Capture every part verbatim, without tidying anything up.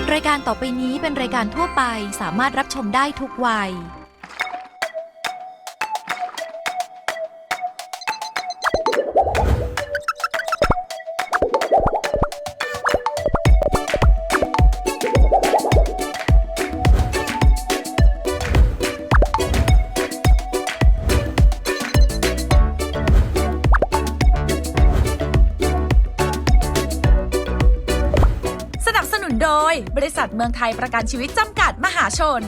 รายการต่อไปนี้เป็นรายการทั่วไปสามารถรับชมได้ทุกวัยโดยบริษัทเมืองไทยประกันชีวิตจำกัดมหาชน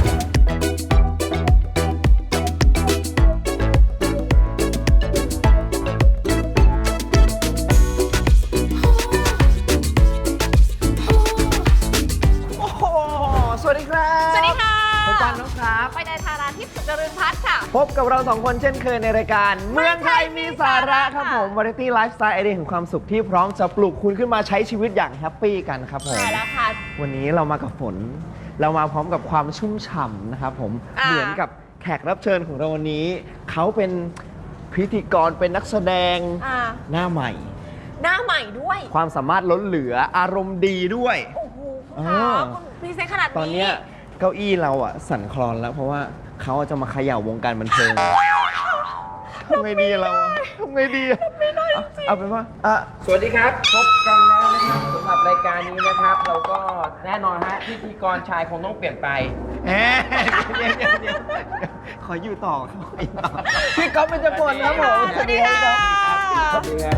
โอ้โหสวัสดีครับสวัสดีค่ะผมปันนกครับไปในธาราทิพย์สุจริญพัฒน์ค่ะพบกับเราสองคนเช่นเคยในรายการเมืองไทยมีสาระครับผมวาไรตี้ไลฟ์สไตล์ไอเดียแห่งความสุขที่พร้อมจะปลุกคุณขึ้นมาใช้ชีวิตอย่างแฮปปี้กันครับผมใช่แล้วค่ะวันนี้เรามากับฝน เรามาพร้อมกับความชุ่มฉ่ำนะครับผมอ่าเหมือนกับแขกรับเชิญของเราวันนี้ เขาเป็นพิธีกรเป็นนักแสดงอ่าหน้าใหม่หน้าใหม่ด้วยความสามารถล้นเหลืออารมณ์ดีด้วยโอ้โหคุณเอคะอคุณพรีเซนต์ขนาดนี้ตอนเนี้ยเก้าอี้เราอะสั่นคลอนแล้วเพราะว่าเขาจะมาเขย่าวงการบันเทิงทำไงดีเราอะทำไงดีอะเอาเอาเป็นว่าอ่ะสวัสดีครับ พบกันแล้วนะครับสำหรับรายการนี้นะครับ เราก็แน่นอนฮะพิธีกรชายคงต้องเปลี่ยนไปแหมเดี๋ยวเดี๋ยวเดี๋ยวขออยู่ต่อขออยู่ต่อพี่ก๊อฟเป็นจพลครับผมสวัสดีค่ะสวัสดีครับ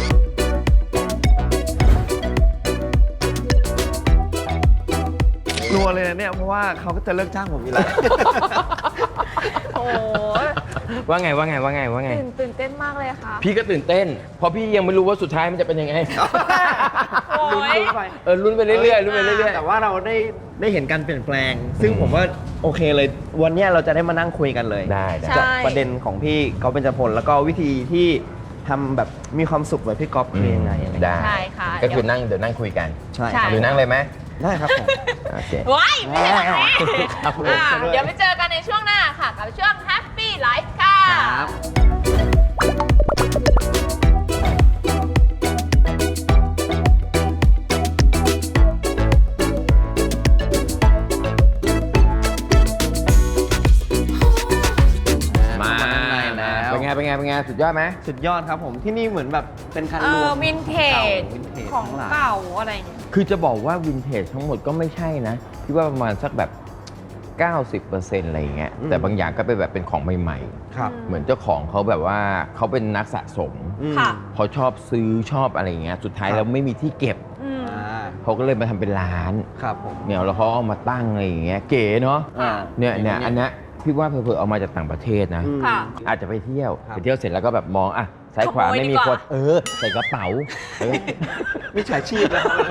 กลัวเลยนะเนี่ยเพราะว่าเขาก็จะเลิกจ้างผมอยู่แล้วโอ้โหว่าไงว่าไงว่าไงว่าไงตื่นตื่นเต้นมากเลยค่ะพี่ก็ตื่นเต้น เพราะพี่ยังไม่รู้ว่าสุดท้ายมันจะเป็นยังไงโอ้ลุ้นยลุ้นไปเออลุ้นไปเรื่อยๆลุ้นไปเรื่อยแต่ว่าเราได้ได้เห็นการเปลี่ยนแปลง ซึ่งผมว่าโอเคเลย วันเนี้ยเราจะได้มานั่งคุยกันเลยๆได้ได้ใช่กับประเด็นของพี่ก๊อฟเบญจพลแล้วก็วิธีที่ทำแบบมีความสุขแบบพี่ก๊อฟคือยังไงอะไรอย่างเงี้ยได้ใช่ค่ะก็คือนั่งเดี๋ยวนั่งคุยกันใช่ใช่ครับหรือนั่งเลยไหมได้ครับผมโอเคว้ายไม่ใช่แบบนี้ครับผมอ่าเดี๋ยวไปเจอกันในช่วงหน้าค่ะ กับช่วง Happy Life ค่ะครับมาแล้วเป็นไงเป็นไงเป็นไงสุดยอดไหมสุดยอดครับผมที่นี่เหมือนแบบเป็นคันเอรวอมวินเทจวินเทจของทั้หลยเก่าอะไรเนี่ยคือจะบอกว่าวินเทจทั้งหมดก็ไม่ใช่นะพี่ว่าประมาณสักแบบ เก้าสิบเปอร์เซ็นต์ อะไรอย่างเงี้ยอืมแต่บางอย่างก็เป็นแบบเป็นของใหม่ครับๆ เหมือนเจ้าของเขาแบบว่าเขาเป็นนักสะสมอืมค่ะเขาชอบซื้อชอบอะไรอย่างเงี้ยสุดท้ายครับแล้วไม่มีที่เก็บอืมอ่าเขาก็เลยมาทำเป็นร้านครับผมเนี่ยแล้วเขาเอามาตั้งอะไรอย่างเงี้ยเก๋เนาะอ่าเนี่ยเนี่ยอันเนี้ยพี่ว่าเผื่อๆเอามาจากต่างประเทศนะอืมค่ะอาจจะไปเที่ยวครับไปเที่ยวเสร็จแล้วก็แบบมองอ่ะซ้ายขวาขโมยไม่มีดีกคว่านเออใส่กระเป๋าเออมิจฉาชีพแล้วครับ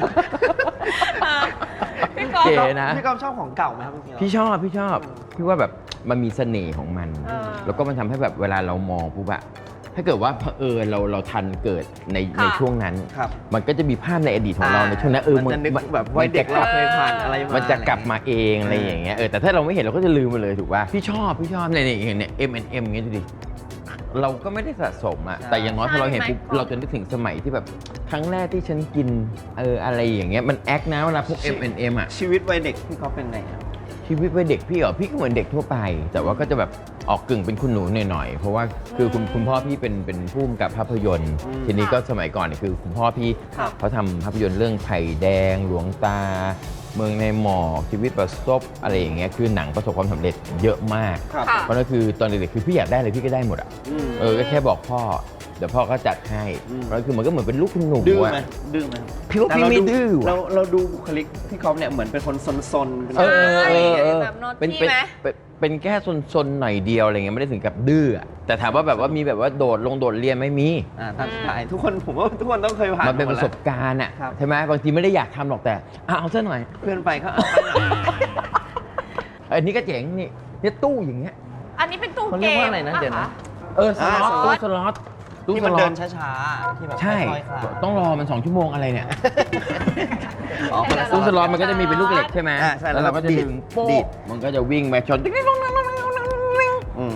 พี่ก๊อฟเก๋นะพี่ก๊อฟชอบของเก่าไหมครับจริงๆแล้วพี่ชอบพี่ชอบพี่ว่าแบบมันมีเสน่ห์ของมันเออแล้วก็มันทำให้แบบเวลาเรามองปุ๊บอะถ้าเกิดว่าเผอิญเราเราทันเกิดในค่ะในช่วงนั้นครับมันก็จะมีภาพในอดีตของเราในช่วงนั้นเออมันจะนึกแบบวัยเด็กมันเราจะเคยผ่านอะไรมามันจะกลับมาเองเออออะไรอย่างเงี้ยเออแต่ถ้าเราไม่เห็นเราก็จะลืมไปเลยถูกป่ะพี่ชอบพี่ชอบเนี่ยเนี่ยเนี่ย เอ็ม แอนด์ เอ็ม อย่างเงี้ยดูดิเราก็ไม่ได้สะสมอะแต่อย่างน้อยพอเราเห็นปุ๊บใช่ไหมเราจะนึกถึงสมัยที่แบบครั้งแรกที่ฉันกินเอออะไรอย่างเงี้ยมันแอคนะเวลาพวก เอ็ม แอนด์ เอ็ม อะชีวิตวัยเด็กพี่ก๊อฟเป็นไงครับชีวิตวัยเด็กพี่เหรอพี่ก็เหมือนเด็กทั่วไป แต่ว่าก็จะแบบออกกึ่งเป็นคุณหนูหน่อยๆเพราะว่าคือคุณคุณพ่อพี่เป็นเป็นผู้กำกับภาพยนตร์อืมทีนี้ก็สมัยก่อนเนี่ยคือคุณพ่อพี่ครับเขาทำภาพยนตร์เรื่องไผ่แดงหลวงตา เมืองในหมอกชีวิตประสบอะไรอย่างเงี้ยคือหนังประสบความสำเร็จเยอะมากครับค่ะเพราะนั่นคือตอนเด็กๆคือพี่อยากได้อะไรพี่ก็ได้หมดอ่ะอืมเออก็แค่บอกพ่อเดี๋ยวพ่อก็จัดให้อืมเพราะนั่นคือมันก็เหมือนเป็นลูกคุณหนูดื้ออะไหมดื้อไหมครับพี่ว่าพี่ไม่ดื้อเราว่ะเราดูบุคลิกพี่ก๊อฟเนี่ยเหมือนเป็นคนซนๆเป็นเออเออเออเออแบบโนตเป็นตี้เป็นไหมเป็นเป็นแค่ซนๆหน่อยเดียวอะไรเงี้ยไม่ได้ถึงกับดื้ออะแต่ถามว่าแบบว่ามีแบบว่าโดดลงโดดเรียนไม่มีอ่าตามสไตล์ทุกคนผมว่าทุกคนต้องเคยผ่านมันเป็นหปดระแล้วสบการณ์อ่ะครับใช่ไหมบางทีไม่ได้อยากทำหรอกแต่อ่ะเอาซะหน่อยเพื่อนไปก็เอาไปหน่อยอันนี้ก็เจ๋งนี่เนี่ยตู้อย่างเงี้ยอันนี้เป็นตู้เขาเกเรียกมว่าอะไรนะเดี๋ยวนะคเออสล็อตอ่าตู้สล็อตตู้ที่สมันล็อเดิตนช้าๆที่แบบใช่ค่อยๆคลานต้องรอมันสองชั่วโมงอะไรเนี่ยอ๋อคนละตู้สล็อตมันก็จะมีเป็นลูกเหล็กใช่ไหมอ่าใช่แล้แล้ว วเราก็จะดีดดึงโป๊ดีกดมันก็จะวิ่งไปชนอืม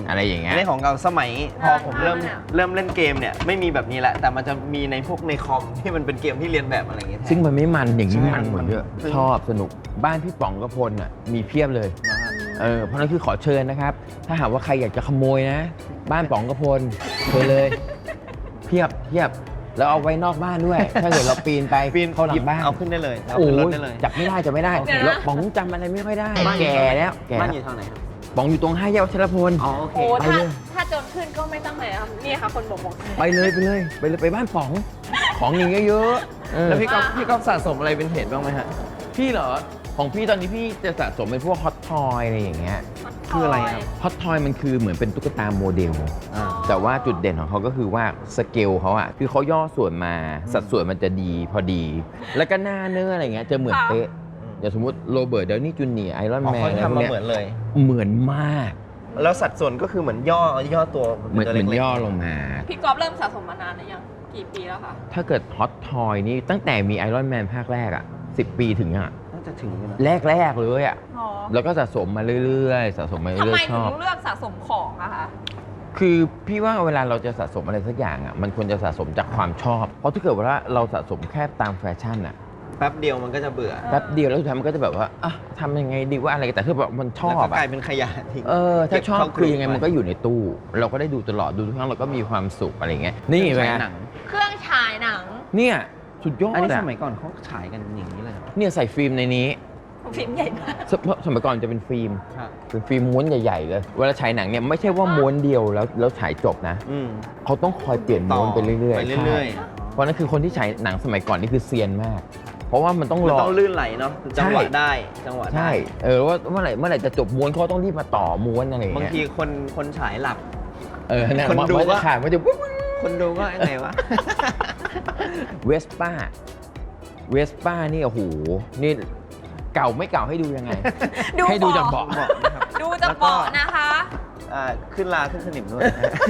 อะไรอย่างเงี้ยในของเราสมัยพอผมเริ่มอ่าเริ่มเล่นเกมเนี่ยไม่มีแบบนี้แหละแต่มันจะมีในพวกในคอมที่มันเป็นเกมที่เรียนแบบอะไรอย่างเงี้ยแทนซึ่งมันไม่มันอย่างนี้ใช่มันหมดเยอะมันชอบสนุกบ้านพี่ป๋องกระพลอ่ะมีเพียบเลยเออเพราะนั้นคือขอเชิญนะครับ ถ้าหากว่าใครอยากจะขโมยนะ บ้านป๋องกระพลเชิญเลย เพียบเพียบแล้วเอาไว้นอกบ้านด้วย ถ้าเกิดเราปีนไปปีนเข้าหลัหยิบงบ้านเอาขึ้นได้เลยเอาโอ้ขึ้นรถยได้เลยจับไม่ได้จับไม่ได้โอเคแล้วป๋องจำอะไรไม่ค่อยได้บ้านอยู่แก่แล้วแก่บ้านแล้วอยู่ทางไหนครับป๋องอยู่ตรงห้าแยกวัชรพลอ๋อโอเคโอ้ไปถ้าเลยถ้าโจนขึ้นก็ไม่ต้องไหนครับนี่ค่ะคนบอกบอกไปเลยไปเลยไปเลยไปบ้านป๋องของอย่างเงี้ยเยอะเออแล้วพี่ก๊อฟพี่ก๊อฟสะสมอะไรเป็นเพจบ้างไหมฮะพี่เหรอของพี่ตอนนี้พี่จะสะสมเป็นพวกฮอตทอยอะไรอย่างเงี้ยคืออะไรครับฮอตทอยมันคือเหมือนเป็นตุ๊กตาโมเดลอ่าแต่ว่าจุดเด่นของเขาก็คือว่าสเกลเขาอะคือเขาย่อส่วนมาสัดส่วนมันจะดีพอดี แล้วก็หน้าเนื้ออะไรเงี้ยจะเหมือนเป๊ะอย่างสมมติโรเบิร์ตเดลนี่จูเนียร์ไอรอนอ๋อแมนเขาอะไรพทำวกมาเนี้ยเหมือนเลยเหมือนมากแล้วสัดส่วนก็คือเหมือนย่อย่อตัวเหมือนตัวเหมือนล็กๆย่อลงมาพี่กอล์ฟเริ่มสะสมมานานหรือยังกี่ปีแล้วคะถ้าเกิดฮอตทอยนี่ตั้งแต่มีไอรอนแมนภาคแรกอะสิบปีถึงอะน่าจะถึงอยู่นะแรก ๆ เลยอะอ๋อแล้วก็สะสมมาเรื่อยๆ สะสมมาทำเรื่อไมยๆชถึอบงเลือกสะสมของอะคะคือพี่ว่าเวลาเราจะสะสมอะไรสักอย่างอ่ะมันควรจะสะสมจากความชอบ เพราะถ้าเกิดว่าเราสะสมแค่ตามแฟชั่นอ่ะแป๊บเดียวมันก็จะเบื่อแป๊บเดียวแล้วสุดท้ายมันก็จะแบบว่าอ่ะทำยังไงดีว่าอะไรแต่ถ้าแบบมันชอแล้วบก็กอ่ะลายเป็นขยะทิ้งเออถ้าชอบเก็บเข้ากคือยังไงรุ๊ปมันก็อยู่ในตู้ เราก็ได้ดูตลอดดูทุกครั้งเราก็มีความสุขอะไรอย่างเงี้ยนี่เป็นไงหนังเครื่องฉายหนังเนี่ยสุดยอดอันนี้สอะมัยก่อนเขาฉายกันอย่างนี้เลยเหรอเนี่ยใส่ฟิล์มในนี้ฟิล์มใหญ่มากสสมัยก่อนจะเป็นฟิล์มครับเป็นฟิล์มม้วนใหญ่ๆเลยเวลาฉายหนังเนี่ยไม่ใช่ว่าม้วนเดียวแล้วแล้วฉายจบนะอืมเขาต้องคอยเปลี่ยนม้วนไปเรื่อยๆไปเรื่อยใช่เพราะนั่นคือคนที่ฉายหนังสมัยก่อนนี่คือเซียนมาก เพราะว่ามันต้องๆมันรอต้องลื่นไหลเนาะจังหวะใช่ได้จังหวะได้ใช่เออว่าเมื่อไหร่เมื่อไหร่จะจบม้วนเขาต้องรีบมาต่อม้วนอะไรอย่างบางเงี้ยทีคนคนฉายหลับเออเนี่ยคนดูมันก็จะขาดมันจะวุ้บคนดูก็ยังไงวะเวสป้าเวสป้านี่โอ้โหนี่เก่าไม่เก่าให้ดูยังไงดูให้ดูเบาะจากเบาะบอกนะครับดูจะเบาะนะคะอ่าขึ้นลาขึ้นสนิมด้วย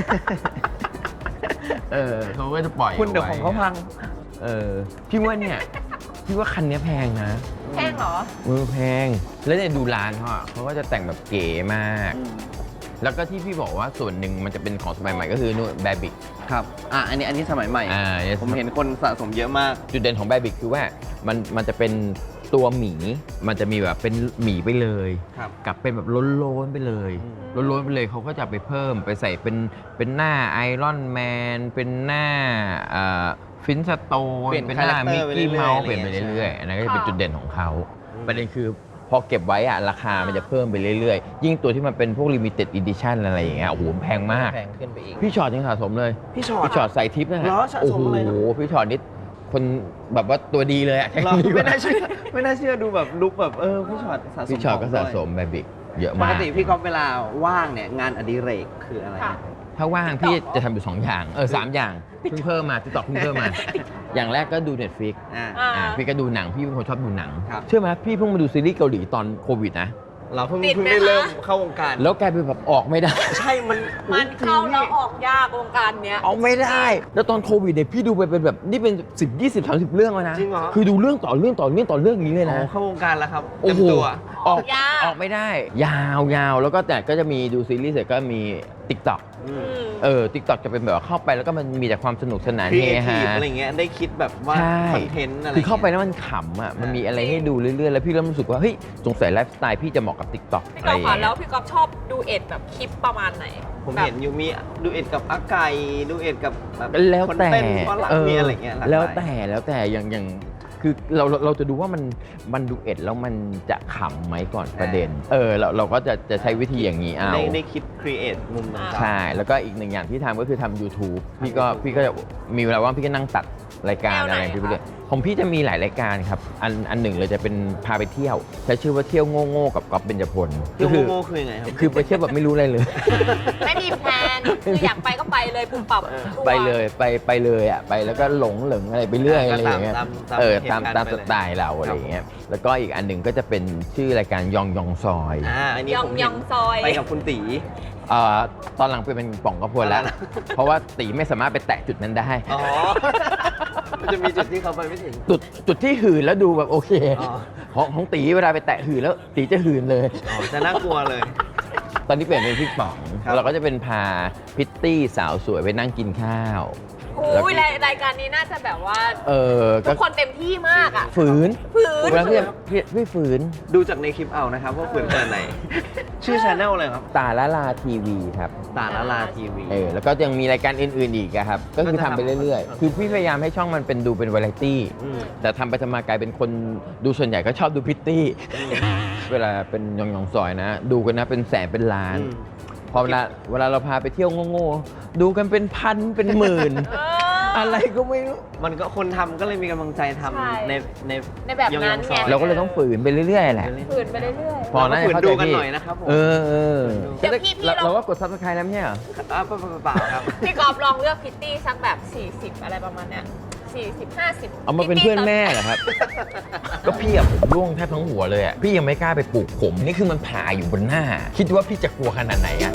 เออเขาก็จะปล่อยคุณเดี๋ยวของเขาพังเออพี่ว่าเนี่ยพี่ว่าคันเนี้ยแพงนะแพงเหรอมือแพงแล้วเนี่ยดูร้านเขาอะเขาก็จะแต่งแบบเก๋มาก แล้วก็ที่พี่บอกว่าส่วนหนึ่งมันจะเป็นของสมัยใหม่ก็คือนู่นแบบิกครับ อ่ะ อันนี้อันนี้สมัยใหม่อ่าผมเห็นคนสะสมเยอะมากจุดเด่นของแบบิกคือว่ามันมันจะเป็นตัวหมี มันจะมีแบบเป็นหมีไปเลยครับกับเป็นแบบล้นๆไปเลยอืมล้นๆไปเลยเขาก็จะไปเพิ่มไปใส่เป็นเป็นหน้าไอรอนแมนเป็นหน้าฟินสโตนเปลี่ยนเป็นหน้า character มิกกี้ไปเรื่อยๆเมาส์อะไรเปลี่ยนไปอย่างเงี้ยเรื่อยๆอันนั้นก็จะเป็นค่ะจุดเด่นของเขาอืมประเด็นคือพอเก็บไว้อะราคามันจะเพิ่มไปเรื่อยๆ ยิ่งตัวที่มันเป็นพวก limited edition อะไรอย่างเงี้ยโอ้โหแพงมากแพงขึ้นไปอีกพี่ชอตยังสะสมเลยพี่ชอตพี่ชอตใส่ทิปนะฮะเหรอสะโอ้สมโหอะไรนะพี่ชอตนี่คนแบบว่าตัวดีเลยอะใช่เราดีกไม่ว่าน่าเชื่อไม่น่าเชื่อดูแบบลุกแบบเออพี่ชอตสะสมพี่ชอตก็ขสะงด้วยสมแบบิกเยอะปมาก กติพี่ก๊อฟเวลาว่างเนี่ยงานอดิเรกคืออะไรค่ะนะถ้าว่างพี่จะทำอยู่สองอย่างเออสามอย่างเพิ่งเพิ่มมาติ๊กต็อกเพิ่งเพิ่มมา อย่างแรกก็ดู Netflix อ่าอ่าอ่าพี่ก็ดูหนังพี่เป็นคนชอบดูหนังครับเชื่อไหมพี่เพิ่งมาดูซีรีส์เกาหลีตอนโควิดนะเราเพิ่งติดเพิ่งไหมได้คะเริ่มเข้าวงการแล้วกลายเป็นแบบออกไม่ได้ใช่มันมันเข้าแล้วออกยากวงการเนี้ยออกไม่ได้ แล้วตอนโควิดเนี่ยพี่ดูไปเป็นแบบนี่เป็นสิบยี่สิบสามสิบเรื่องแล้วนะจริงเหรอคือดูเรื่องต่อเรื่องต่อเรื่องต่อเรื่องอย่างนี้เลยอ๋นะอเข้าวงการแล้วครับโอ้เต็มโหตัวออกยากออกไม่ได้ ยาวยาวแล้วก็แต่ก็จะมีดูซีรีส์เสร็จก็มี TikTok อืมอืมเออ TikTok จะเป็นแบบว่าเข้าไปแล้วก็มันมีแต่ความสนุกสนานครีเฮเอทีฮาฟอะไรเงี้ยได้คิดแบบว่าใช่คอนเทนต์อะไรคือเข้าไปงี้ยแล้วมันขำอ่ะ มันมีอะไรให้ดูเรื่อยๆ แล้วพี่เริ่มรู้สึกว่า เฮ้ย สงสัยไลฟ์สไตล์พี่จะเหมาะกับ TikTok พี่อะกไรออล์ฟย่างค่ะเงี้แล้ยวพี่กอล์ฟชอบดูเอ็ดแบบคลิปประมาณไหนผมแบบเห็นอยู่มีดูเอ็ดกับอาไก่ดูเอ็ดกับแบบแล้วคนแต่เต้นฝรั่งเออมีอะไรเงี้ยหลากหแล้วลายแต่แล้วแต่อย่างอย่างคือเราเราเราจะดูว่ามันมันดูเอ็ดแล้วมันจะขำไหมก่อนประเด็น เออเราเราก็จะจะใช้วิธีอย่างนี้เอาได้ได้คิดครีเอทมุมต่างๆใช่ แล้วก็อีกหนึ่งอย่างที่ทำก็คือทำ YouTube พี่ก็พี่ก็จะมีเวลาว่างพี่ก็นั่งตัดรายการแนวไหนอะไรพี่ไปคะเรื่อยของพี่จะมีหลายรายการครับ อันอันหนึ่งเลยจะเป็นพาไปเที่ยว ใช้ชื่อว่าเที่ยวโง่โง่ๆกับก๊อฟเบญจพลเที่ยวคืโง่ๆคือยังไงครับคือไปเที่ยวแบบไม่รู้อะไรเลยไม่มีแพลนคืออยากไปก็ไปเลยปุ่มปรับเออทัวร์ไปเลยไปไปเลยอ่ะไปแล้วก็หลงเหลิงอะไรไปเรื่อยก็อะไรอย่างเงี้ยตามตามเออเหตุตามการณ์ตามไปสเลยไตล์เราอะไรอย่างเงี้ยแล้วก็อีกอันหนึ่งก็จะเป็นชื่อรายการยองยองซอยอ่าอันนี้ยองผมเห็ยนองซอยไปกับคุณตีเอ่อตอนหลังไปเป็นป่องกระพวนแล้วอ๋อเพราะว่าตีไม่สามารถไปแตะจุดนั้นได้อ๋อ มันจะมีจุดที่เขาไปไม่ถึงจุดจุดที่หืนแล้วดูแบบโอเคอ๋อของของตีเวลาไปแตะหืนแล้วตีจะหืนเลยอ๋อจะน่ากลัวเลยตอนนี้เปลี่ยนเป็นพี่ป๋องครับเราก็จะเป็นพาพิตตี้สาวสวยไปนั่งกินข้าวโอ้ยรายรายการนี้น่าจะแบบว่าเออทุก็กคนเต็มที่มากอ่ะฝืนฝืนเวลาพี่พี่พี่ฝืนดูจากในคลิปเอานะครับว่าฝืนขนาดไหน ชื่อชาแนลเลยครับตาละลาทีวีครับตาละลาทีวีเออแล้วก็ยังมีรายการอื่นๆอีกอะครับ ก็คือทำไปเรื่อยๆ คือพี่พยายามให้ช่องมันเป็นดูเป็นวาไรตี้มแต่ทำไปทำมากลายเป็นคนดูส่วนใหญ่ก็ชอบดูพิตตี้ เวลาเป็นยองยองๆซอยนะ ดูกันนะเป็นแสนเป็นล้านอืมพอเวลาเวลาเราพาไปเที่ยวโง่ๆดูกันเป็นพันเป็นหมื่นเอออะไรก็ไม่รู้มันก็คนทำก็เลยมีกำลังใจทใช่ำในในในแบบนั้นยองๆซอยไงเราก็เลยต้องฝืนไปเรื่อยๆแหละฝืนไปเรื่อยพอนะฝืนเข้าดูใจกันพี่หน่อยนะครับผมเออเออเดี๋ยวพี่พี่เราลองเราก็กดซับสไครต์แล้วไม่ใช่เหรออ่าเปล่าๆครับๆพี่กอล์ฟลองเลือกพิตตี้สักแบบ สี่สิบ อะไรประมาณเนี้ยสี่สิบ ห้าสิบเอามาเป็นเพื่อนแม่เหรอครับ ก็พี่อะผมร่วงแทบทั้งหัวเลยอะพี่ยังไม่กล้าไปปลูกผม นี่คือมันผ่าอยู่บนหน้า คิดว่าพี่จะกลัวขนาดไหนอะ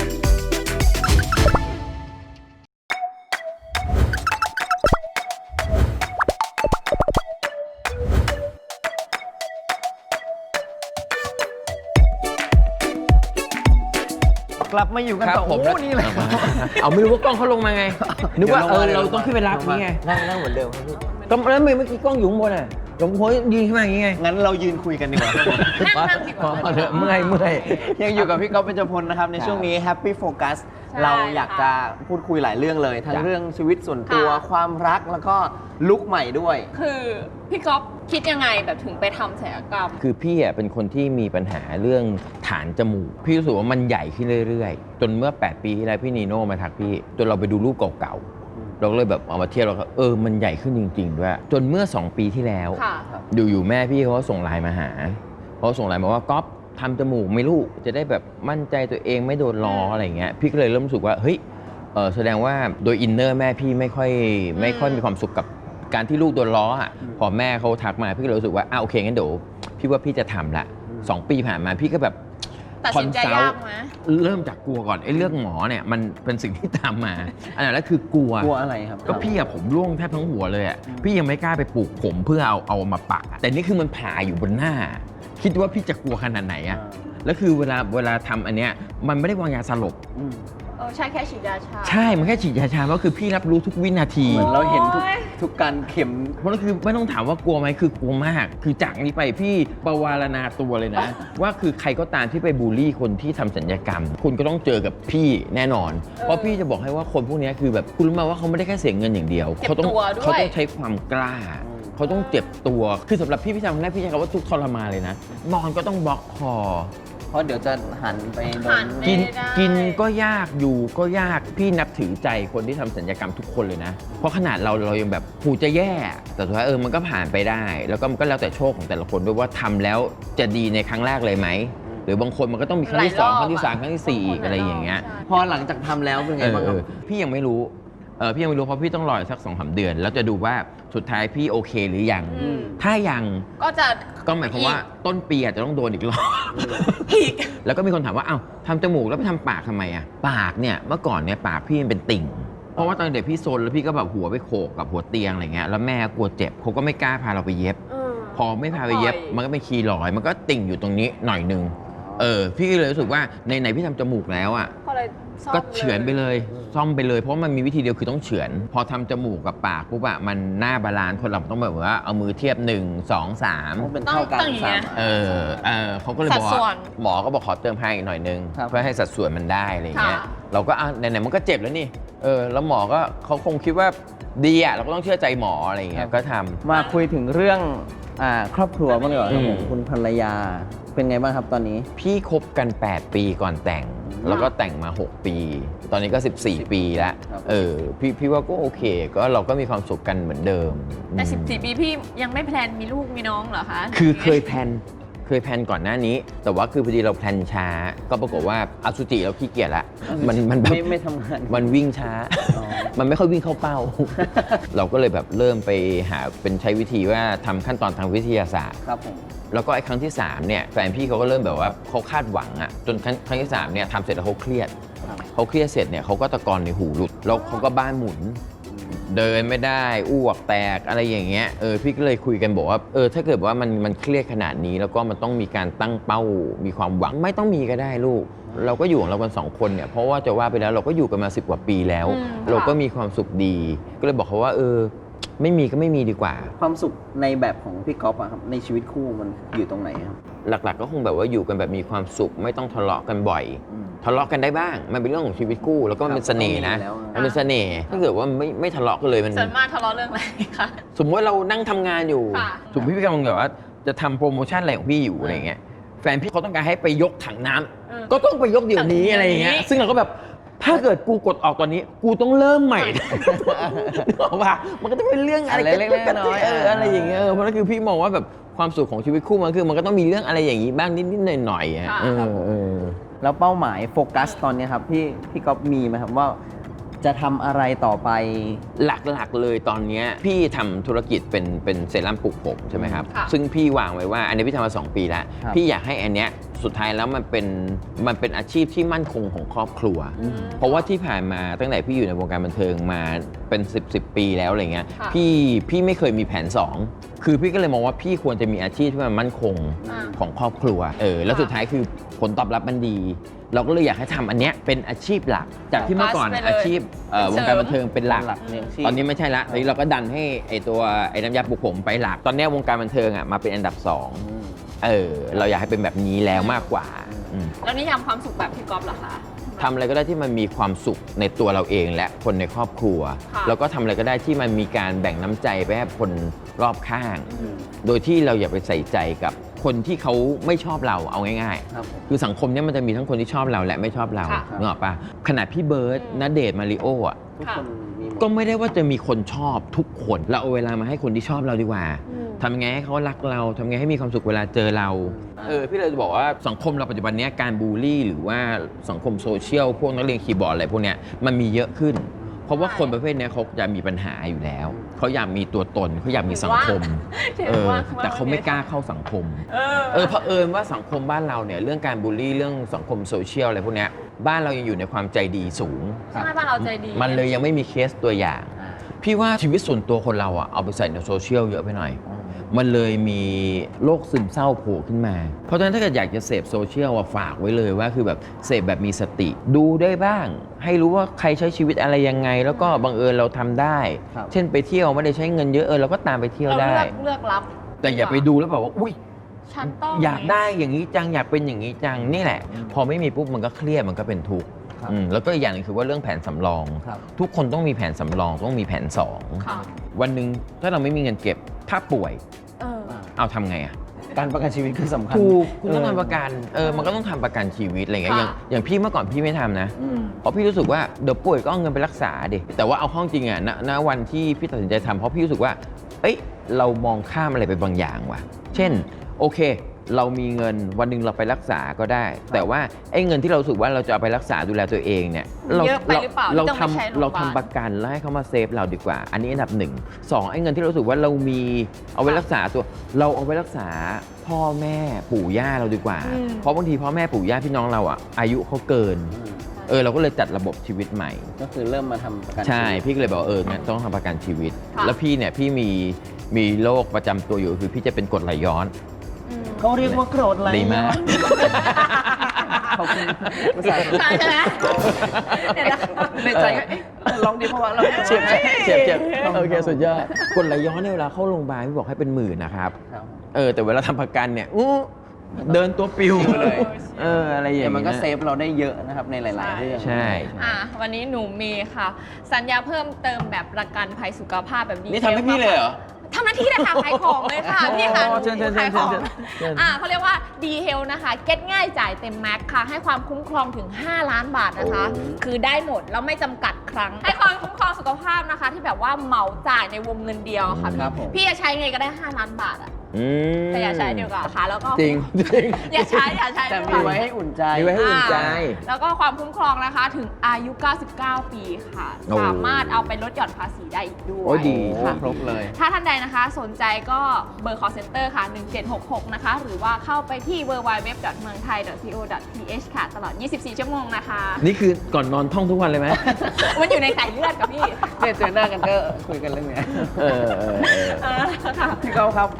กลับมาอยู่กันครับต่อผมโอ้นี่เลยเอาไม่รู้ว่ากล้องเขาลงมาไง นึกว่าเออดี๋ยวลเรามต้องขึ้นไปรับนี่ไงนั่งนั่งเหมือนเดิมครับพี่ก็แล้วเมื่อกี้กล้องอยู่ข้างบนอะหลวงพ่อยืนขึ้นมาอย่างงี้ไงงั้นเรายืนคุยกันดีกว่าครับผมนั่งนั่งดีกว่าพอเถอะเมื่อยเมื่อยยังอยู่กับพี่ก๊อฟเบญจพลนะครับ ในช่วงนี้ Happy Focus ใช่เราอยากจะพูดคุยหลายเรื่องเลย ทั้งจ้ะเรื่องชีวิตส่วนตัวค่ะความรักแล้วก็ลุคใหม่ด้วยคือพี่ก๊อฟคิดยังไงแบบถึงไปทำศัลยกรรมคือพี่อ่ะเป็นคนที่มีปัญหาเรื่องฐานจมูก พี่รู้สึกว่ามันใหญ่ขึ้นเรื่อยๆ จนเมื่อ แปด ปีที่แล้วพี่นีโน่มาทักพี่ จนเราไปดูรูปเก่าๆ เราก็เลยแบบเอามาเทียบเราก็เออมันใหญ่ขึ้นจริงๆด้วย จนเมื่อ สอง ปีที่แล้วค่ะอยู่ๆแม่พี่เขาก็ส่งไลน์มาหาเขาส่งไลน์มาว่าก๊อฟทำจมูกไหม่ลูกจะได้แบบมั่นใจตัวเองไม่โดนล้ออะไรอย่างเงี้ยพี่ก็เลยเริ่มรู้สึกว่าเฮ้ยเออแสดงว่าโดยอินเนอร์แม่พี่ไม่ค่อยไม่ค่อยมีความสุขกับการที่ลูกโดนล้ออ่ะพอแม่เขาทักมาพี่ก็เลยรู้สึกว่าอ้าโอเคงั้นเดี๋ยวพี่ว่าพี่จะทำละสองปีผ่านมาพี่ก็แบบตัดสินใจยากไหมเริ่มจากกลัวก่อนไอ้เรื่องหมอเนี่ยมันเป็นสิ่งที่ตามมา อันนั้นแรกคือกลัวกลัวอะไรครับก็พี่อะผมร่วงแทบทั้งหัวเลยอะพี่ยังไม่กล้าไปปลูกผมเพื่อเอาเอามาปักอะแต่นี่คือมันผ่าอยู่บนหน้า คิดว่าพี่จะกลัวขนาดไหนอะแล้วคือเวลาเวลาทำอันเนี้ยมันไม่ได้วางยาสลบอืมเออใช่แค่ฉีดยาชาใช่มันแค่ฉีดยาชาก็คือพี่รับรู้ทุกวินาทีเหมือนเราเห็นทุกโอ้ยทุกการเข็มเพราะนั่นคือไม่ต้องถามว่ากลัวไหมคือกลัวมาก คือจากนี้ไปพี่ประวารณาตัวเลยนะ ว่าคือใครก็ตามที่ไปบูลลี่คนที่ทำสัญญกรรม คุณก็ต้องเจอกับพี่แน่นอน เพราะพี่จะบอกให้ว่าคนพวกนี้คือแบบคุณรู้ไหมว่าเขาไม่ได้แค่เสียเงินอย่างเดียวเจ็บเขาต้องตัวด้วยเขาต้องใช้ความกล้า เขาต้องเจ็บตัว คือสำหรับพี่พี่ทำครั้งแรกพี่ใช้คำว่าทุกข์ทรมานเลยนะ นอนก็ต้องบล็อกคอเพราะเดี๋ยวจะหันไปโดหันนกินไม่ได้กินก็ยากอยู่ก็ยากพี่นับถือใจคนที่ทำสัญญกรรมทุกคนเลยนะ เพราะขนาดเราเรายังแบบผูจะแย่ แต่สุดท้ายเออมันก็ผ่านไปได้ แล้วก็มันก็แล้วแต่โชคของแต่ละคนด้วยว่าทำแล้วจะดีในครั้งแรกเลยไหม หรือบางคนมันก็ต้องมีครั้งที่สองครั้งที่สามครั้งที่สี่อีกอะไรอย่างเงี้ยพอหลังจากทำแล้วเป็นไงเออบ้างคเอรับอพี่ยังไม่รู้เออพี่ยังไม่รู้เพราะพี่ต้องรออีกสักสองสามเดือน แล้วจะดูว่าสุดท้ายพี่โอเคหรือยังอืมถ้ายังก็จะก็หมายความว่าต้นปีอาจจะต้องโดนอีกรอบอีกแล้วก็มีคนถามว่า เอ้าทำจมูกแล้วไปทำปากทำไมอะปากเนี่ย เมื่อก่อนเนี่ยปากพี่มันเป็นติ่ง เพราะว่าตอนเด็กพี่ซนแล้วพี่ก็แบบหัวไปโขกกับหัวเตียงอะไรเงี้ย แล้วแม่กลัวเจ็บเขาก็ไม่กล้าพาเราไปเย็บ พอไม่พาไปเย็บปล่อยมันก็เป็นคีย์ลอยด์มันก็ติ่งอยู่ตรงนี้หน่อยนึง เออ พี่ก็เลยรู้สึกว่าในไหนพี่ทำจมูกแล้วอะก็เลยซ่อมก็เฉือนไปลยเลย ซ่อมไปเลย เพราะมันมีวิธีเดียวคือต้องเฉือน พอทำจมูกกับปากปุ๊บอะมันหน้าบาลานซ์คนเราต้องแบบว่าเอามือเทียบหนึ่ง สอง สามต้องเป็นเท่ากันต้องอย่างเงี้ยสามเออเออเขาก็เลยบอกสัดส่วว่าน หมอก็บอกขอเติมให้อีกหน่อยนึงครับเพื่อให้สัดส่วนมันได้อะไรอย่างเงี้ยค่ะเราก็อ่ะไหนๆมันก็เจ็บแล้วนี่เออแล้วหมอก็เขาคงคิดว่าดีอ่ะเราก็ต้องเชื่อใจหมออะไรอย่างเงี้ยก็ทำมาคุยถึงเรื่องอ่าครอบครัวบ้างดีกว่าครับผมอืมคุณภรรยาเป็นไงบ้างครับตอนนี้พี่คบกัน แปด ปีก่อนแต่ง แล้วก็แต่งมา หก ปี ตอนนี้ก็ สิบสี่ ปีแล้วครับเออพี่พี่ว่าก็โอเค ก็เราก็มีความสุขกันเหมือนเดิมแต่อืมสิบสี่ปีพี่ยังไม่แพลนมีลูกมีน้องเหรอคะคือเคยแพลนเคยแพลนก่อนหน้านี้ แต่ว่าคือพอดีเราแพลนช้า ก็ปรากฏว่าอสุจิเราขี้เกียจละมันมันแบบไม่ไม่ทำงานมันวิ่งช้าอ๋อมันไม่ค่อยวิ่งเข้าเป้า เราก็เลยแบบเริ่มไปหาเป็นใช้วิธีว่าทำขั้นตอนทางวิทยาศาสตร์ครับผมแล้วก็ไอ้ครั้งที่สามเนี่ยแฟนพี่เขาก็เริ่มแบบว่าเขาคาดหวังอะจนครั้งครั้งที่สามเนี่ยทำเสร็จแล้วเขาเครียดครับเขาเครียดเสร็จเนี่ยเขาก็ตะกอนในหูหลุด แล้วเขาก็บ้านหมุน เดินไม่ได้อ้วกแตกอะไรอย่างเงี้ยเออพี่ก็เลยคุยกันบอกว่าเออถ้าเกิดว่ามันมันเครียดขนาดนี้ แล้วก็มันต้องมีการตั้งเป้ามีความหวังไม่ต้องมีก็ได้ลูกเราก็อยู่ของเรากันสองคนเนี่ยเพราะว่าจะว่าไปแล้วเราก็อยู่กันมาสิบกว่าปีแล้วอืมเราก็ค่ะมีความสุขดี ก็เลยบอกเขาว่าเออไม่มีก็ไม่มีดีกว่าความสุขในแบบของพี่ก๊อฟอะครับในชีวิตคู่มันอยู่ตรงไหนครับหลักๆ ก็คงแบบว่าอยู่กันแบบมีความสุขไม่ต้องทะเลาะกันบ่อยอืมทะเลาะกันได้บ้าง มันเป็นเรื่องของชีวิตคู่แล้วก็มันเป็นเสน่ห์นะครับมันเป็นเสน่ห์ถ้าเกิดว่าไม่ไม่ทะเลาะกันเลยมันส่วนมากทะเลาะเรื่องอะไรคะสมมติว่าเรานั่งทำงานอยู่ค่ะสมมติพี่กำลังแบบว่าจะทำโปรโมชั่นอะไรของพี่อยู่อะไรเงี้ยแฟนพี่เขาต้องการให้ไปยกถังน้ำเออก็ต้องไปยกเดี๋ยวนี้ถังอะไรอย่างเงี้ยนี้ซึ่งเราก็แบบถ้าเกิดกูกดออกตอนนี้ กูต้องเริ่มใหม่นึกออกปะมันก็จะเป็นเรื่องอะไรอะไรเล็กๆน้อยๆเอออะไรอย่างเงี้ยเออเพราะนั่นคือพี่มองว่าแบบความสุขของชีวิตคู่มันคือมันก็ต้องมีเรื่องอะไรอย่างงี้บ้างนิดๆหน่อยๆอ่ะค่ะเออเออแล้วเป้าหมายโฟกัสตอนนี้ครับพี่พี่ก๊อฟมีไหมครับว่าจะทำอะไรต่อไปหลักๆเลยตอนเนี้ยพี่ทำธุรกิจเป็นเป็นเซรั่มปลูกผมใช่ไหมครับค่ะซึ่งพี่วางไว้ว่าอันนี้พี่ทำมาสองปีแล้วครับพี่อยากให้อันเนี้ยสุดท้ายแล้วมันเป็นมันเป็นอาชีพที่มั่นคงของครอบครัวอืมเพราะว่าที่ผ่านมาตั้งแต่พี่อยู่ในวงการบันเทิงมาเป็นสิบสิบปีแล้วอะไรเงี้ยค่ะพี่พี่ไม่เคยมีแผนสองคือพี่ก็เลยมองว่าพี่ควรจะมีอาชีพที่มันมั่นคงอ่าของครอบครัวเออแล้วค่ะสุดท้ายคือผลตอบรับมันดี เราก็เลยอยากให้ทำอันเนี้ยเป็นอาชีพหลัก จากที่เมื่อก่อนไปเลยอาชีพเอ่อวงการบันเทิงเป็นหลักหลักเนี่ยชีพตอนนี้ไม่ใช่ละตอนนี้เราก็ดันให้ไอตัวไอ้น้ำยาปลุกผมไปหลัก ตอนนี้วงการบันเทิงอ่ะมาเป็นอันดับสองอืมเออเราอยากให้เป็นแบบนี้แล้วมากกว่าอืมแล้วนิยามความสุขแบบพี่ก๊อฟเหรอคะทำอะไรก็ได้ที่มันมีความสุขในตัวเราเองและคนในครอบครัวค่ะแล้วก็ทำอะไรก็ได้ที่มันมีการแบ่งน้ำใจไปให้คนรอบข้างอืมโดยที่เราอย่าไปใส่ใจกับคนที่เขาไม่ชอบเราเอาง่ายครับผมๆ คือสังคมเนี้มันจะมีทั้งคนที่ชอบเราและไม่ชอบเราค่ะนึกออกปะขนาดพี่เบิร์ดอืมณเดชน์มาริโออ่ะทุกคนมีหมดก็ไม่ได้ว่าจะมีคนชอบทุกคน เราเอาเวลามาให้คนที่ชอบเราดีกว่าอืมทำยังไงให้เขารักเราทำยังไงให้มีความสุขเวลาเจอเราอืมเออพี่เลยจะบอกว่าสังคมเราปัจจุบันเนี้ยการบูลลี่ หรือว่าสังคมโซเชียลพวกนักเรียนคีย์บอร์ดอะไรพวกเนี้ยมันมีเยอะขึ้น เพราะว่าคนประเภทเนี้ยเขาจะมีปัญหาอยู่แล้วเขาอยากมีตัวตนเขาอยากมีสังคมถือเออว่าแต่เขาไม่กล้าเข้าสังคมเออเออเผอิญว่าสังคมบ้านเราเนี่ยเรื่องการบูลลี่เรื่องสังคมโซเชียลอะไรพวกเนี้ยบ้านเรายังอยู่ในความใจดีสูงใช่บ้านเราใจดีมันเลยยังไม่มีเคสตัวอย่าง พี่ว่าชีวิตส่วนตัวคนเราอะเอาไปใส่ในโซเชียลเยอะไปหน่อย มันเลยมีโรคซึมเศร้าโผล่ขึ้นมา เพราะฉะนั้นถ้าเกิดอยากจะเสพโซเชียลอะฝากไว้เลยว่าคือแบบเสพแบบมีสติ ดูได้บ้าง ให้รู้ว่าใครใช้ชีวิตอะไรยังไง แล้วก็บังเอิญเราทำได้ครับเช่นไปเที่ยวไม่ได้ใช้เงินเยอะเออเราก็ตามไปเที่ยวเราได้เลือกเลือกรับแต่อย่าไปดูแล้วแบบว่าอุ้ยฉันต้องอยากได้อย่างนี้จังอยากเป็นอย่างนี้จังนี่แหละ พอไม่มีปุ๊บมันก็เครียดมันก็เป็นทุกข์ครับอืมแล้วก็อีกอย่างหนึงคือว่าเรื่องแผนสำรองครับทุกคนต้องมีแผนสำรองต้องมีแผนสองค่ะวันหนึ่งถ้าเราไม่มีเงินเก็บถ้าป่วยเออเอาทำไงอะการประกันชีวิตคือสำคัญถูกคุณต้องเทำประกันเออมันก็ต้องทำประกันชีวิตอะไรเงี้ยอย่างค่ะอย่างพี่เมื่อก่อนพี่ไม่ทำนะอืมเพราะพี่รู้สึกว่าเดี๋ยวป่วยก็เอาเงินไปรักษาดิแต่ว่าเอาเข้อจริงอะณณวันที่พี่ตัดสินใจทำเพราะพี่รู้สึกว่าเอ้ยเรามองข้ามอะไรไปบางอย่างว่ะ เช่นโอเค เรามีเงินวันหนึ่งเราไปรักษาก็ได้ แต่ว่าไอ้เงินที่เรารู้สึกว่าเราจะเอาไปรักษาดูแลตัวเองเนี่ยเราเยอะไปหรือเปล่าเราที่ต้องไปใช้ทำโรเรางพยาบาลทำประกันแล้วให้เขามาเซฟเราดีกว่า อันนี้อันดับหนึ่งสองไอ้เงินที่เรารู้สึกว่าเรามีเอาไว้รักษาตัว เราเอาไว้รักษาพ่อแม่ปู่ย่าเราดีกว่าอืมเพราะบางทีพ่อแม่ปู่ย่าพี่น้องเราอ่ะอายุเขาเกินอืมเออเราก็เลยจัดระบบชีวิตใหม่ก็คือเริ่มมาทำประกันใช่ชีวิตพี่ก็เลยบอกว่าเอองั้นต้องทำประกันชีวิตค่ะแล้วพี่เนี่ยพี่มีมีโรคประจำตัวอยู่คือพี่จะเป็นกรดไหลย้อนอืมเขาเรียกว่าโกรธอะไรดีมากขอบคุณภาษาใช่ใช่ไหมเดี๋ยวนะคะในใจก็เอ๊ะลองดีเพราะว่าเราเจ็บเจ็บเจ็บเจ็บโอเคสุดยอดกรดไหลย้อนเนี่ยเวลาเข้าโรงพยาบาลพี่บอกให้เป็นหมื่นนะครับครับเออแต่เวลาทำประกันเนี่ยอู้เดินตัวปิวเลยเอออะไรอย่างแต่เงี้ยมันก็เซฟเราได้เยอะนะครับในหลาย ๆ เรื่องใช่อ่ะวันนี้หนูมีค่ะ สัญญาเพิ่มเติมแบบประกันภัยสุขภาพแบบดีนี่ทำให้พี่เลยเหรอทำหน้าที่เลยค่ะขายของเลยค่ะพี่ค่ะอ๋อเชิญเชิญเชิญขายของเชิญเชิญอ่ะเขาเรียกว่า D Health นะคะ เก็ตง่ายจ่ายเต็มแม็กค่ะ ให้ความคุ้มครองถึง ห้า ล้านบาทนะคะโอ้คือได้หมดแล้วไม่จำกัดครั้ง ให้ความคุ้มครองสุขภาพนะคะ ที่แบบว่าเหมาจ่ายในวงเงินเดียวค่ะครับผมพี่จะใช้ไงก็ได้ ห้า ล้านบาทอะอืมแต่อย่าใช้เดียวกับค่ะแล้วก็จริงจริงอย่าใช้อย่าใช้แต่ดีกมีว่าไว้ให้อุ่นใจมีไว้ให้อุ่นใจอ่าแล้วก็ความคุ้มครองนะคะถึงอายุ เก้าสิบเก้า ปีค่ะโอ้สามารถเอาไปลดหย่อนภาษีได้อีกด้วยโอ้ยดีโอ้ค่ะครบเลยถ้าท่านใดนะคะสนใจก็เบอร์ call center ค่ะ หนึ่งเจ็ดหกหก นะคะ หรือว่าเข้าไปที่ ดับเบิลยู ดับเบิลยู ดับเบิลยู ดอท เมืองไทย ดอท ซี โอ ดอท ที เอช ค่ะ ตลอด ยี่สิบสี่ ชั่วโมงนะคะนี่คือก่อนนอนท่องทุกวันเลยไหมมันอยู่ในสายเลือดกับพี่เนี่ยเจอหน้ากันก็คุยกันเรื่องเนี้ยเออเออเออเออค่ะพี่เก้าครับ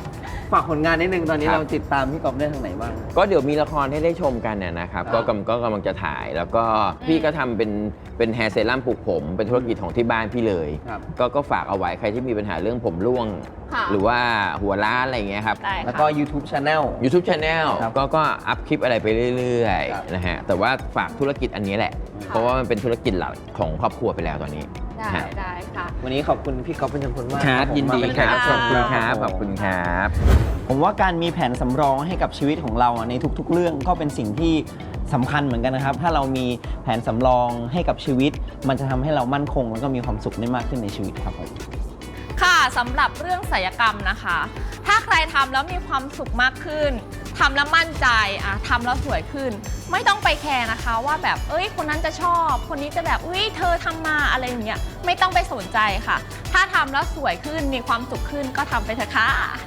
ฝากผลงานนิดนึงตอนนี้ครับเราติดตามพี่ก๊อฟได้ทางไหนบ้างก็เดี๋ยวมีละครให้ได้ชมกันเนี่ยนะครับครับก็กำก็กำลังจะถ่าย แล้วก็พี่ก็ทำเป็นเป็นแฮร์เซรั่มปลูกผม เป็นธุรกิจของที่บ้านพี่เลยครับก็ก็ฝากเอาไว้ใครที่มีปัญหาเรื่องผมร่วงค่ะหรือว่าหัวล้านอะไรอย่างเงี้ยครับได้แล้วค่ะก็ YouTube Channel YouTube Channel ครับก็ก็อัพคลิปอะไรไปเรื่อยครับๆนะฮะแต่ว่าฝากธุรกิจอันนี้แหละ เพราะว่ามันเป็นธุรกิจหลักของครอบครัวไปแล้วตอนนี้ได้ฮะได้ค่ะวันนี้ขอบคุณพี่ก๊อฟเป็นจำนวนมากครับผมยินดีมาเป็นครับแขขกอบเชิคุณญครับผมขอบคุณครับผมว่าการมีแผนสำรองให้กับชีวิตของเราอะในทุกๆ เรื่องก็เป็นสิ่งที่สำคัญเหมือนกันนะครับ ถ้าเรามีแผนสำรองให้กับชีวิต มันจะทำให้เรามั่นคงแล้วก็มีความสุขได้มากขึ้นในชีวิตครับผมค่ะสำหรับเรื่องศัลยกรรมนะคะ ถ้าใครทำแล้วมีความสุขมากขึ้นทำแล้วมั่นใจอะทำแล้วสวยขึ้น ไม่ต้องไปแคร์นะคะว่าแบบเอ้ยคนนั้นจะชอบ คนนี้จะแบบเอ้ยเธอทำมาอะไรอย่างเงี้ยไม่ต้องไปสนใจค่ะ ถ้าทำแล้วสวยขึ้นมีความสุขขึ้นก็ทำไปเถอะค่ะ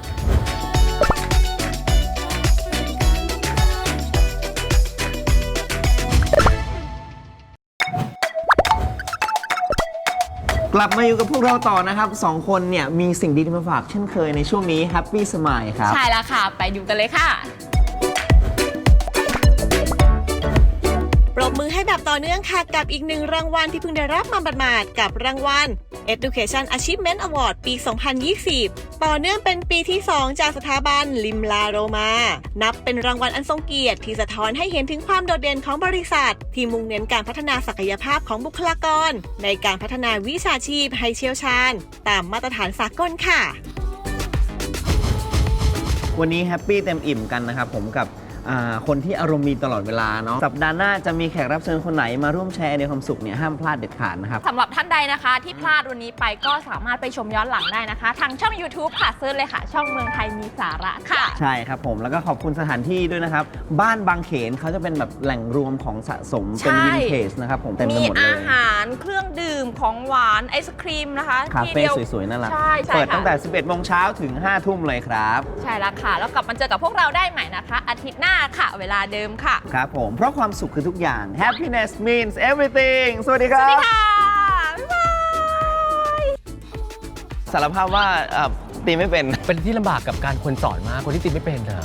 กลับมาอยู่กับพวกเราต่อนะครับสองคนเนี่ยมีสิ่งดีๆมาฝากเช่นเคยในช่วงนี้ Happy Smile ครับใช่แล้วค่ะ ไปดูกันเลยค่ะปรบมือให้แบบต่อเนื่องค่ะกับอีกหนึ่งรางวัลที่เพิ่งได้รับมาหมาดๆกับรางวัล Education Achievement Award ปี สองพันยี่สิบ ต่อเนื่องเป็นปีที่ สอง จากสถาบันลิมลาโรมา นับเป็นรางวัลอันทรงเกียรติที่สะท้อนให้เห็นถึงความโดดเด่นของบริษัท ที่มุ่งเน้นการพัฒนาศักยภาพของบุคลากร ในการพัฒนาวิชาชีพให้เชี่ยวชาญ ตามมาตรฐานสากลค่ะวันนี้แฮปปี้เต็มอิ่มกันนะครับผมกับอ่าคนที่อารมณ์ดีตลอดเวลาเนาะสัปดาห์หน้าจะมีแขกรับเชิญคนไหนมาร่วมแชร์ในความสุขเนี่ยห้ามพลาดเด็ดขาดนะครับสำหรับท่านใดนะคะ ที่พลาดวันนี้ไปก็สามารถไปชมย้อนหลังได้นะคะ ทางช่อง YouTube ค่ะเซิร์ชเลยค่ะ ช่องเมืองไทยมีสาระค่ะใช่ครับผมแล้วก็ขอบคุณสถานที่ด้วยนะครับ บ้านบางเขนเขาจะเป็นแบบแหล่งรวมของสะสมเป็นใช่วินเทจนะครับผมเต็มไปมีหมดเลอาย หารเครื่องดื่มของหวานไอศครีมนะคะคาที่เฟ่ดียวสวยๆน่ารักใช่ใช่เปิดค่ะตั้งแต่ สิบเอ็ดโมงเช้าถึง ห้าทุ่มเลยครับใช่แล้วค่ะ แล้วกลับมาเจอกับพวกเราได้ใหม่นะคะ อาทิตย์หน้าค่ะ เวลาเดิมค่ะครับผม เพราะความสุขคือทุกอย่าง happiness means everything สวัสดีคสรัวัสดีบค่ะ บ๊ายบายสารภาพว่าเอ่อตีไม่เป็นเป็นที่ลำบากกับการคนสอนมาก คนที่ติดไม่เป็นอะ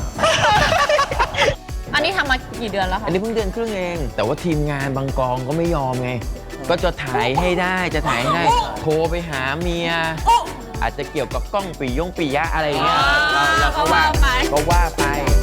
อันนี้ทำมากี่เดือนแล้วคะอันนี้เพิ่งเดือนครึ่งเอง แต่ว่าทีมงานบางกองก็ไม่ยอมไง ก็จะถ่ายให้ได้จะถ่ายให้ได้ โทรไปหาเมีย อาจจะเกี่ยวกับกล้องปียงปียะอะไรเงี้ยเราเราก็ว่าก็ว่าไปก็ว่าไป